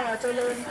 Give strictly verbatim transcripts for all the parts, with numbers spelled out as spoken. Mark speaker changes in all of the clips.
Speaker 1: เจริญ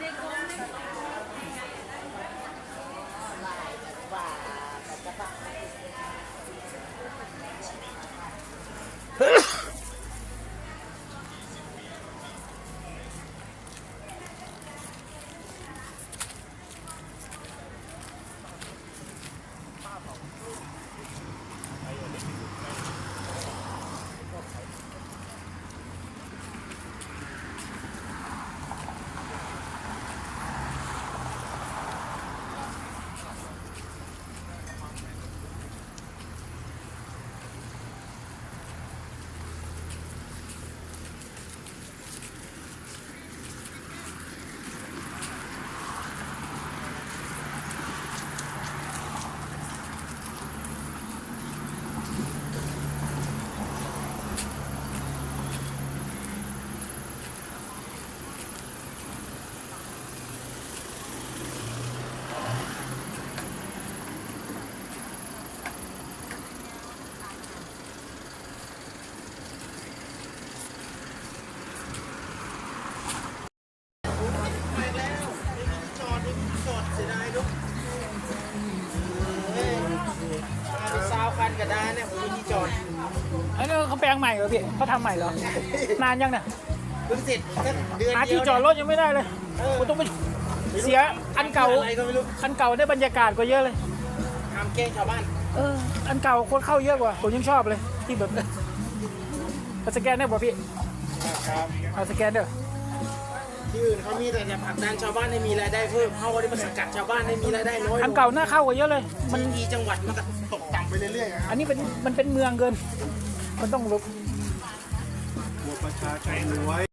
Speaker 2: กระดานเนี่ยผมมีที่จอด
Speaker 1: อันนี้เขาแปลงใหม่เหรอพี่เขาทำใหม่เหรอ นานยังเนี่ย
Speaker 2: เพิ่งเสร็จแค่เดือน
Speaker 1: หา
Speaker 2: เดี
Speaker 1: ที่
Speaker 2: ยว
Speaker 1: จอดรถยังไม่ได้เลยผมต้องไปเสียอันเก่า
Speaker 2: อะไรก็ไม่รู้
Speaker 1: อันเก่าได้บรรยากาศกว่าเยอะเลย
Speaker 2: ทำแกล้งชาวบ้าน
Speaker 1: เออ อันเก่าคนเข้าเยอะกว่า ผมยังชอบเลย ที่แบบเอาสแกนได้ป่ะพี่
Speaker 2: ครับ
Speaker 1: เอาสแกนเด้อ
Speaker 2: ที่อื่นเขามีแต่จะผลักดันชาวบ้านให้มีรายได้เพิ่มเขาก็ได้มาสกัดชาวบ้านให้มีรายได้น้อยลง
Speaker 1: อันเก่าน่าเข้ากว่าเยอะเลย
Speaker 2: มันมีจังหวัดมันก็ตกต่ำไปเรื่อยๆครับ
Speaker 1: อันนี้เป็นมันเป็นเมืองเกิน มันต้องลบ
Speaker 2: หัวประชาชนรวย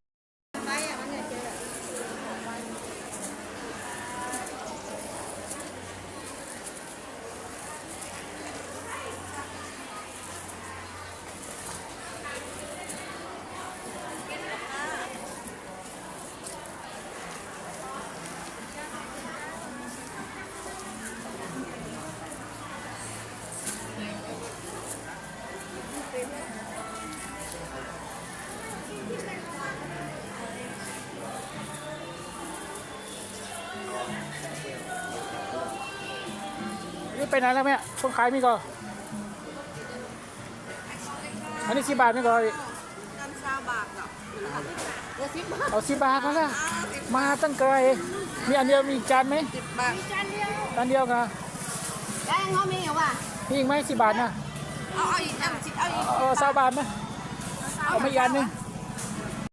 Speaker 1: นี่ไปไหนแล้วแม่คนขายมีก็อันนี้สิบบาทไม่ก็
Speaker 3: กันชาบาทเหรอเออสิบบาท
Speaker 1: เอาสิบบาทก็แล้วมาตั้งไกลมีอันเดียวมีจานไหม
Speaker 3: สิบบาทมีจานเดียว
Speaker 1: จานเดียวกัน
Speaker 3: แกงเขามีเหรอวะ
Speaker 1: มีอีกไหมสิบบาทนะ
Speaker 3: เอาเอาอีกอันสิเอาอีก
Speaker 1: เออสามบาทนะเอาไม่ยันนึง
Speaker 3: เ